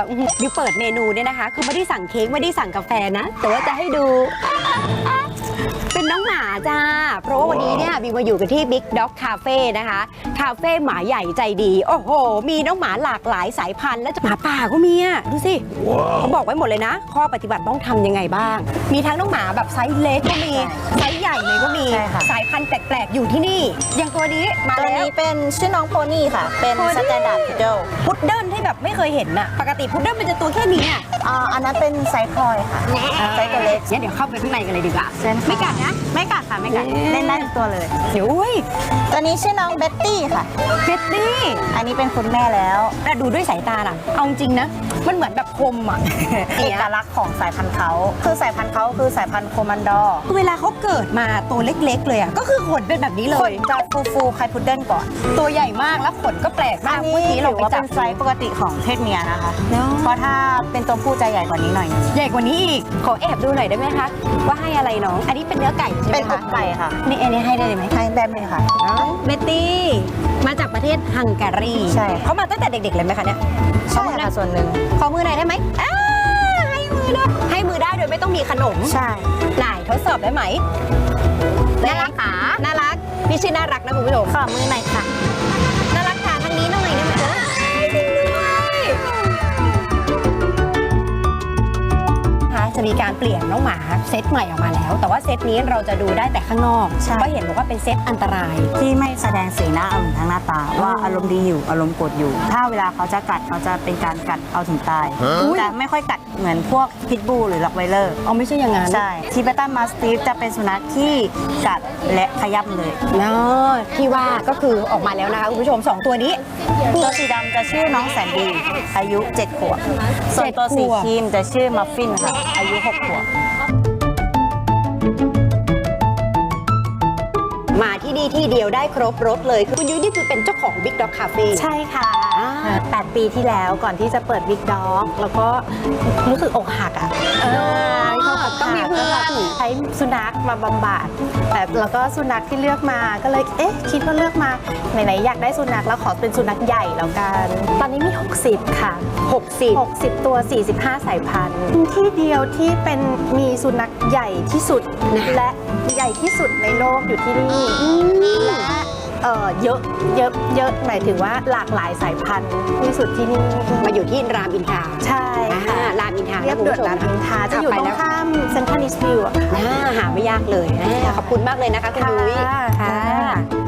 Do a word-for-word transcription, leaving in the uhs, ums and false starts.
บิวเปิดเมนูเนี่ยนะคะคือไม่ได้สั่งเค้กไม่ได้สั่งกาแฟนะแต่ว่าจะให้ดูเป็นน้องหมาจ้าเพราะว่าวันนี้เนี่ยบิวมาอยู่กันที่ Big Dog Cafe นะคะคาเฟ่หมาใหญ่ใจดีโอ้โหมีน้องหมาหลากหลายสายพันธุ์และหมาป่าก็มีอ่ะดูสิ wow. เขาบอกไว้หมดเลยนะข้อปฏิบัติต้องทำยังไงบ้างมีทั้งน้องหมาแบบไซส์เล็กก็มีไซส์ใหญ่เลยก็มีสายพันธุ์แปลกๆอยู่ที่นี่อย่างตัวนี้มาแล้วตัวนี้เป็นชื่อน้องโพนี่ค่ะเป็นสแตนดาร์ดพุดเดิลพุดเดิลที่แบบไม่เคยเห็นน่ะปกติพุดเดิลมันจะตัวแค่นี้อ่ะอ่าอันนั้นเป็นไซส์พลอยค่ะไซส์ตัวเล็กงั้นเดี๋ยวเข้าไปข้างในกันเลยดีกว่าไม่กัดนะไม่กัดค่ะไม่กัดเล่นได้ทุกตัวเลยเดี๋ยวอุ้ยตัวนี้ชื่อน้องเบ็ตตี้ค่ะเบ็ตตี้อันนี้เป็นคุณแม่แล้วแต่ดูด้วยสายตาล่ะเอาจริงนะมันเหมือนแบบคมอ่ะเอกลักษณ์ของสายพันธุ์เขาคือสายพันธุ์เขาคือสายพันธุ์โคมันดอร์เวลาเขาเกิดมาตัวเล็กๆเลยอ่ะก็คือขนเป็นแบบนี้เลยขนจะฟูๆคล้ายพุดเดิ้ลก่อนตัวใหญ่มากแล้วขนก็แปลกมากเมื่อกี้เราไปจับไซส์ปกติของเพศเมียนะคะเพราะถ้าเป็นตัวผู้จะใหญ่กว่านี้หน่อยใหญ่กว่านี้อีกขอแอบดูหน่อยได้ไหมคะว่าให้อะไรน้องอันนี้เป็นเนื้อไก่ใช่ไหมคะเป็นอกไก่ค่ะนี่อันนี้ให้ได้ไหมให้ได้เลยค่ะเบตตี้มาจากประเทศฮังการีใช่เขามาตั้งแต่เด็กๆเลยไหมคะเนี่ยใช่ค่ะส่วนหนึ่งขอมือหน่อยได้ไหมให้มือได้ให้มือได้โดยไม่ต้องมีขนมใช่ไหนทดสอบได้ไหมน่ารักค่ะน่ารักพี่ชื่อน่ารักนะคุณผู้ชมขอมือหน่อยค่ะน่ารักค่ะทางนี้หน่อยได้ไหมจ๊ะจริงด้วยจะมีการเปลี่ยนน้องหมาเซตใหม่ออกมาแล้วแต่ว่าเซตนี้เราจะดูได้แต่ข้างนอกเพราะเห็นบอกว่าเป็นเซตอันตรายที่ไม่แสดงสีหน้าอารมณ์ทางหน้าตาว่าอารมณ์ดีอยู่อารมณ์โกรธอยู่ถ้าเวลาเขาจะกัดเขาจะเป็นการกัดเอาถึงตายจะไม่ค่อยกัดเหมือนพวกพิทบูลหรือล็อกไวเลอร์อ๋อไม่ใช่อย่างนั้นใช่ทิเบตันมาสติฟจะเป็นสุนัขที่กัดและขย้ำเลยเนาะที่ว่าก็คือออกมาแล้วนะคะคุณผู้ชมสองตัวนี้ตัวสีดำจะชื่อน้องแสนดีอายุเจ็ดขวบส่วนตัวสีครีมจะชื่อมัฟฟินค่ะอายุหกขวบมาที่นี่ที่เดียวได้ครบรถเลยคือคุณยุ้ยนี่คือเป็นเจ้าของ Big Dog Cafe ใช่ค่ะแปดปีที่แล้วก่อนที่จะเปิด Big Dog แล้วก็รู้สึกอกหักอ่ะต้องมีเพื่อนใช้สุนัขมาบำบัดแต่แล้วก็สุนัขที่เลือกมาก็เลยเอ๊ะคิดว่าเลือกมาไหนๆอยากได้สุนัขแล้วขอเป็นสุนัขใหญ่แล้วกันตอนนี้มีหกสิบค่ะหกสิบหกสิบตัวสี่สิบห้าสายพันธุ์ที่เดียวที่เป็นมีสุนัขใหญ่ที่สุดและใหญ่ที่สุดในโลกอยู่ที่นี่และเออเยอะเยอะเยอะหมายถึงว่าหลากหลายสายพันธุ์ที่สุดที่นี่มาอยู่ที่รามอินทราใช่ค่ะรามอินทราเรียบด่วนรามอินทราจะอยู่ตรงข้ามเซ็นทรัลอีสต์วิวหาไม่ยากเลยขอบคุณมากเลยนะคะคุณยุ้ยค่ะ